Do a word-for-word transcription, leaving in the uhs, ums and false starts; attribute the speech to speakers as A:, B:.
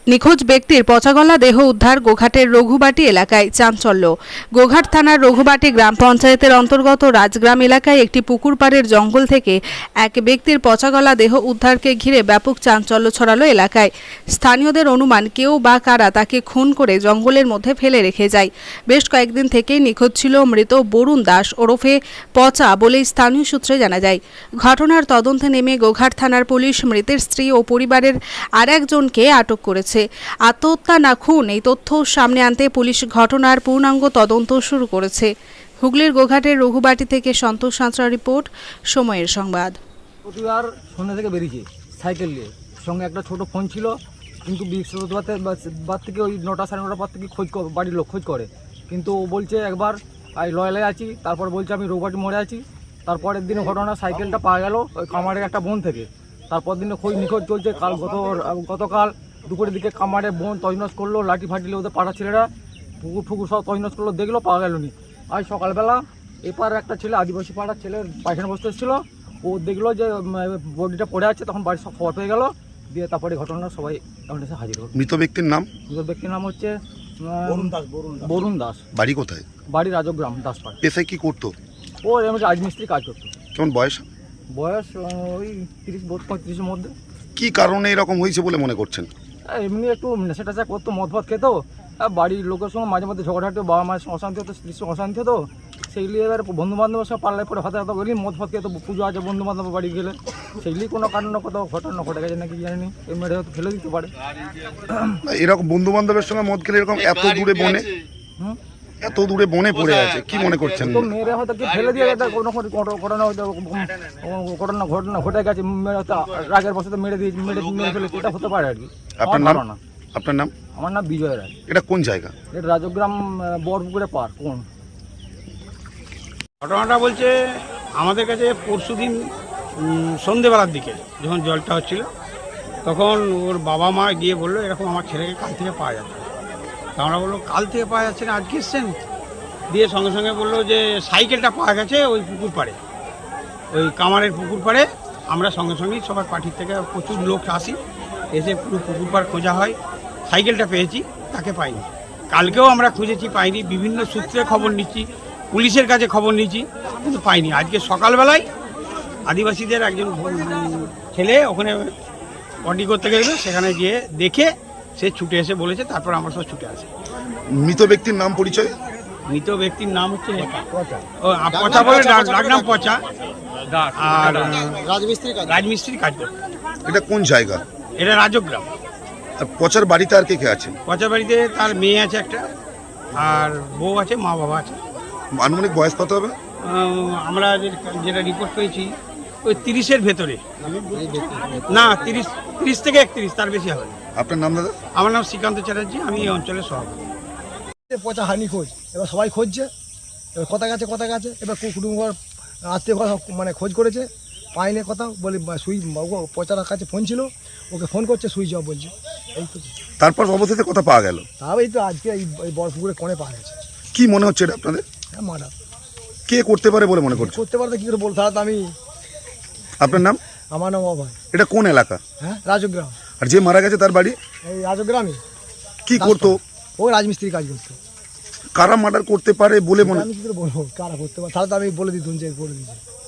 A: নিখোঁজ ব্যক্তির পচাগলা দেহ উদ্ধার গোঘাটের রঘুবাটি এলাকায়। চাঞ্চল্য। গোঘাট থানার রঘুবাটি গ্রাম পঞ্চায়েতের অন্তর্গত রাজগ্রাম এলাকায় একটি পুকুর পাড়ের জঙ্গল থেকে এক ব্যক্তির পচাগলা দেহ উদ্ধারকে ঘিরে ব্যাপক চাঞ্চল্য ছড়ালো এলাকায়। স্থানীয়দের অনুমান কেউ বা কারা তাকে খুন করে জঙ্গলের মধ্যে ফেলে রেখে যায়। বেশ কয়েকদিন থেকেই নিখোঁজ ছিল মৃত বরুণ দাস ওরফে পচা বলেই স্থানীয় সূত্রে জানা যায়। ঘটনার তদন্তে নেমে গোঘাট থানার পুলিশ মৃতের স্ত্রী ও পরিবারের আর একজনকে আটক করেছে। আত্মহত্যা না খুন এই তথ্য সামনে আনতে পুলিশ ঘটনার পূর্ণাঙ্গ তদন্ত শুরু করেছে। হুগলির গোঘাটের রঘুবাটি থেকে সন্তোষ সাঁতরা রিপোর্ট, সময়ের সংবাদ।
B: প্রতিবার সন্ধ্যা থেকে বেরিয়েছে সাইকেল নিয়ে, সঙ্গে একটা ছোট ফোন ছিল, কিন্তু বৃহস্পতিবার থেকে ওই নটা সাড়ে নটার পর থেকে খোঁজ বাড়ির লোক খোঁজ করে, কিন্তু ও বলছে একবার এই লয়ালে আছি, তারপর বলছে আমি রঘুবাটি মোড়ে আছি। তারপরের দিনে ঘটনা সাইকেলটা পাওয়া গেল ওই কামারের একটা বোন থেকে। তারপর দিনে খোঁজ নিখোঁজ চলছে। কাল গত গতকাল দুপুরের দিকে কামারে বোন তজনস করলো, লাঠি ফাটিলে ওদের পাড়া ছেলেরা পুকুর ফুকুর সব তজনস করলো, দেখলো পাওয়া গেল নি। আজ সকালবেলা এপার একটা ছেলে আদিবাসী পাড়ার ছেলের পায়খানা বসতে এসেছিল, ও দেখলো যে বডিটা পড়ে আছে, তখন বাড়ির সব খবর পেয়ে গেল, দিয়ে তারপরে ঘটনা সবাই এসে হাজির হল।
C: মৃত ব্যক্তির নাম?
B: মৃত ব্যক্তির নাম হচ্ছে বরুণ দাস। বরুণ দাস।
C: বাড়ি কোথায়?
B: বাড়ি রাজগ্রাম, দাসপাড়া।
C: পেশায় কি করতো?
B: ও এমনি রাজমিস্ত্রি কাজ করতো।
C: কেমন বয়স?
B: বয়স ওই তিরিশ পঁয়ত্রিশের মধ্যে।
C: কি কারণে এরকম হয়েছে বলে মনে করছেন?
B: এমনি একটু নেশা টেশা করতো, মদ ফদ খেতো, বাড়ির লোকের সঙ্গে মাঝে মধ্যে ঝগড়াঝাটি, বাবা মায়ের সঙ্গে অশান্তি হতো, স্ত্রীর সঙ্গে অশান্তি হতো, সেইগুলি এবার বন্ধু বান্ধবের সঙ্গে পাল্লায় পরে হতে হতো বলি মদ ফদ খেতো, পুজো আছে বন্ধু বান্ধব বাড়ি গেলে, সেইগুলি কোনো কারণে কত ঘটনা ঘটে গেছে নাকি জানি, এই মেরে হয়তো ফেলে দিতে পারে।
C: এরকম বন্ধু বান্ধবের সঙ্গে মদ খেলে এরকম এত দূরে বনে
B: হুম
C: এত দূরে বনে পড়ে আছে, কি মনে করছেন?
B: তো মেরে হয়তো কি ফেলে দিয়ে গেছে, কোনো ঘটনা হয়তো ঘটনা ঘটনা ঘটে গেছে, মেরে হয়তো রাগের বসে মেরে দিয়ে মেরে মেরে ফেলেছে, এটা হতে পারে আর কি।
C: আপনার নাম? আপনার নাম?
B: আমার নাম বিজয় রায়।
C: এটা কোন জায়গা?
B: এটা রাজগ্রাম বরপুকুরে পার। কোন
D: ঘটনাটা বলছে আমাদের কাছে পরশুদিন সন্ধেবেলার দিকে যখন জলটা হচ্ছিল, তখন ওর বাবা মা গিয়ে বললো এরকম আমার ছেলেকে কাল থেকে পাওয়া যাচ্ছে। তা আমরা বললো কাল থেকে পাওয়া যাচ্ছে না, আজকে এসছেন? দিয়ে সঙ্গে সঙ্গে বললো যে সাইকেলটা পাওয়া গেছে ওই পুকুর পাড়ে, ওই কামারের পুকুর পাড়ে। আমরা সঙ্গে সঙ্গেই সবার পার্টির থেকে প্রচুর লোক আসি, এসে পুরো পুকুর পাড় খোঁজা হয়, সাইকেলটা পেয়েছি, তাকে পাইনি। কালকেও আমরা খুঁজেছি, পাইনি, বিভিন্ন সূত্রে খবর নিচ্ছি, পুলিশের কাছে খবর নিচ্ছি, কিন্তু পাইনি। আজকে সকালবেলায় আদিবাসীদের একজন ছেলে ওখানে বডি করতে গেছিল, সেখানে গিয়ে দেখে সে ছুটে এসে বলেছে, তারপর আমরা সব ছুটে আসি।
C: মৃত ব্যক্তির নাম পরিচয়?
D: মৃত ব্যক্তির নাম হচ্ছে ও পচা বলে ডাকনাম পচা, আর রাজমিস্ত্রির কাজ করত।
C: এটা কোন জায়গা?
D: এটা রাজগ্রাম।
C: আর পচার বাড়িতে আর কে কে আছে?
D: পচা বাড়িতে তার মেয়ে আছে একটা, আর বউ আছে, মা বাবা আছে।
C: আনুমানিক বয়স কত হবে?
D: আমরা যেটা রিপোর্ট পেয়েছি ওই তিরিশের ভেতরে, না তিরিশ তিরিশ থেকে একত্রিশ, তার বেশি হবে।
C: আপনার নাম দাদা?
D: আমার নাম শ্রীকান্ত চ্যাটার্জি, আমি এই অঞ্চলের সভাপতি।
E: পচা হানি খোঁজ, এবার সবাই খুঁজছে, এবার কথা গেছে কথা গেছে এবার কুটুম্ব আত্মীয় কথা মানে খোঁজ করেছে, পাইনি কথা বলে সুই পচার কাছে ফোন ছিল, ওকে ফোন করছে, সুইচ অফ বলছে। এই তো
C: তারপর অবশেষে কথা পাওয়া গেল।
E: তাও এই তো আজকে এই বড় পুকুরে কোণে পাওয়া গেছে।
C: কি মনে হচ্ছে এটা আপনাদের?
E: হ্যাঁ মারা।
C: কে করতে পারে বলে মনে করছে?
E: করতে পারতো কি করে বলতে, তাহলে আমি।
C: আপনার নাম?
E: আমার নাম অভয়।
C: এটা কোন এলাকা?
E: হ্যাঁ রাজগ্রাম।
C: আর যে মারা গেছে তার বাড়ি?
E: এই রাজগ্রামে।
C: কি করতো?
E: ও রাজমিস্ত্রি কাজ করতো।
C: কারা মার্ডার করতে পারে বলে মনে?
E: আমি কি করে বলবো কারা করতে পারে, তাহলে তো আমি বলে দিতুম যে বলে দিচ্ছি।